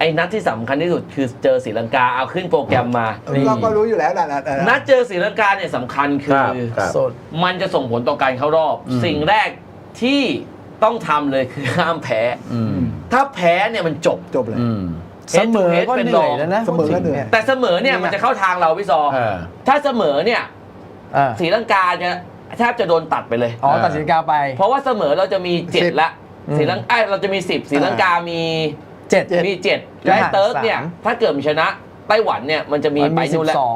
อ้นัดที่สำคัญที่สุดคือเจอศรีลังกาเอาขึ้นโปรแกรมมาเราก็รู้อยู่แล้วนะนัดเจอศรีลังกาเนี่ยสำคัญคือมันจะส่งผลต่อการเข้ารอบสิ่งแรกที่ต้องทำเลยคือห้ามแพ้ถ้าแพ้เนี่ยมันจบเลยเสมอก็เหนื่อยแล้วนะเสมอก็เหนื่อยแต่เสมอเนี่ยมันจะเข้าทางเราพี่ซอถ้าเสมอเนี่ยศรีลังกาจะแทบจะโดนตัดไปเลยตัดศรีลังกาไปเพราะว่าเสมอเราจะมี7ละศรีลังกาเราจะมี10ศรีลังกามี7และเติร์กเนี่ยถ้าเกิดมันชนะไต้หวันเนี่ยมันจะมีไปนู่นแล้ว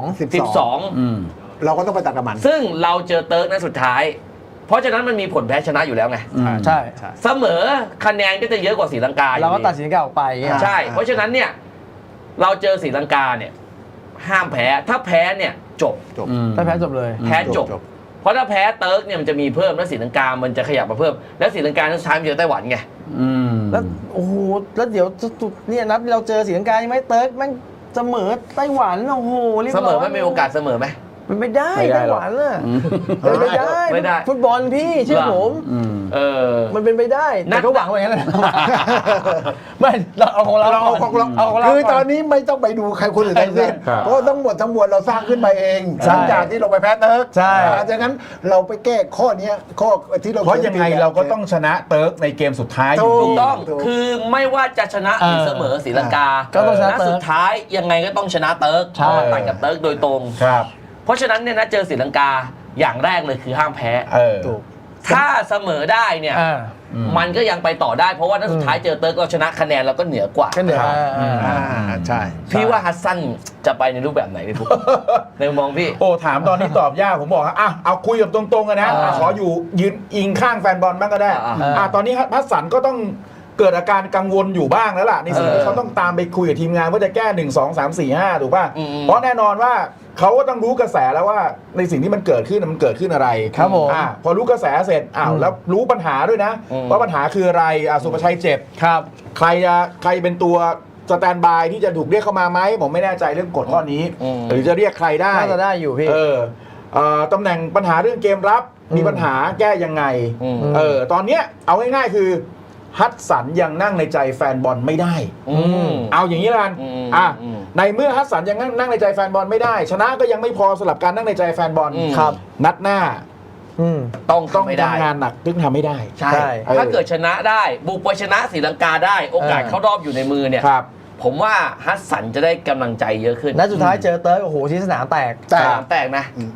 12 เราก็ต้องไปตัดกับมันซึ่งเราเจอเติร์กนัดสุดท้ายเพราะฉะนั้นมันมีผลแพ้ชนะอยู่แล้วไงใช่เสมอคะแนนก็จะเยอะกว่าศรีลังกาเราก็ตัดศรีลังกาออกไปใช่เพราะฉะนั้นเนี่ยเราเจอศรีลังกาเนี่ยห้ามแพ้ถ้าแพ้เนี่ยจบถ้าแพ้จบเลยแพ้จบเพราะถ้าแพ้เติร์กเนี่ยมันจะมีเพิ่มแล้วศรีลังกามันจะขยับมาเพิ่มแล้วศรีลังกาสุดท้ายมันเจอไต้หวันไงแล้วโอ้โหแล้วเดี๋ยวเนี่ยนัดเราเจอศรีลังกาใช่ไหมเติร์กมันเสมอไต้หวันโอ้โหเสมอไม่มีโอกาสเสมอไหมมันไม่ได้ไต้หวันน่ะไม่ได้ฟุตบอลพี่เชื่อผมมันเป็นไปได้แต่ก็หวังไว้งั้นแหละไม่เราเอาของเราคือตอนนี้ไม่ต้องไปดูใครคนอื่นทั้งสิ้นเพราะทั้งหมดเราสร้างขึ้นมาเองหลังจากที่เราไปแพ้เติร์กใช่ดังนั้นเราไปแก้ข้อนี้ข้อที่เราเพราะยังไงเราก็ต้องชนะเติร์กในเกมสุดท้ายถูกต้องคือไม่ว่าจะชนะหรือเสมอศรีลังกาก็ต้องชนะสุดท้ายยังไงก็ต้องชนะเติร์กต่างกับเติร์กโดยตรงเพราะฉะนั้นเนี่ยนะเจอศรีลังกาอย่างแรกเลยคือห้ามแพ้ถ้าเสมอได้เนี่ยมันก็ยังไปต่อได้เพราะว่านัดสุดท้ายเจอเติร์กเราชนะคะแนนเราก็เหนือกว่าใช่พี่ว่าฮัสซันจะไปในรูปแบบไหนในทุกในมองพี่ถามตอนนี้ตอบยากผมบอกเอาคุยกับตรงๆกันนะขออยู่ยืนอิงข้างแฟนบอลบ้างก็ได้ตอนนี้ฮัสซันก็ต้องเกิดอาการกังวลอยู่บ้างแล้วล่ะในสิ่งที่เขาต้องตามไปคุยกับทีมงานว่าจะแก้1 2 3 4 5ถูกป่ะเพราะแน่นอนว่าเขาก็ต้องรู้กระแสแล้วว่าในสิ่งที่มันเกิดขึ้นมันเกิดขึ้นอะไรครับผมพอรู้กระแสเสร็จแล้วรู้ปัญหาด้วยนะว่าปัญหาคืออะไรสุภชัยเจ็บครับใครเป็นตัวสแตนบายที่จะถูกเรียกเข้ามาไหมผมไม่แน่ใจเรื่องกฎข้อนี้หรือจะเรียกใครได้น่าจะได้อยู่พี่ตำแหน่งปัญหาเรื่องเกมรับมีปัญหาแก้ยังไงตอนเนี้ยเอาง่ายๆคือฮัตสันยังนั่งในใจแฟนบอลไม่ได้เอาอย่างนี้ละกันในเมื่อฮัตสันยังนั่งในใจแฟนบอลไม่ได้ชนะก็ยังไม่พอสำหรับการนั่งในใจแฟนบอลครับนัดหน้าต้องทำงานหนักถึงทำไม่ได้ใช่ถ้าเกิดชนะได้บุกไปชนะศรีลังกาได้โอกาสเข้ารอบอยู่ในมือเนี่ยผมว่าฮัตสันจะได้กำลังใจเยอะขึ้นนัดสุดท้ายเจอเติร์กโอ้โหที่สนามแตกนะ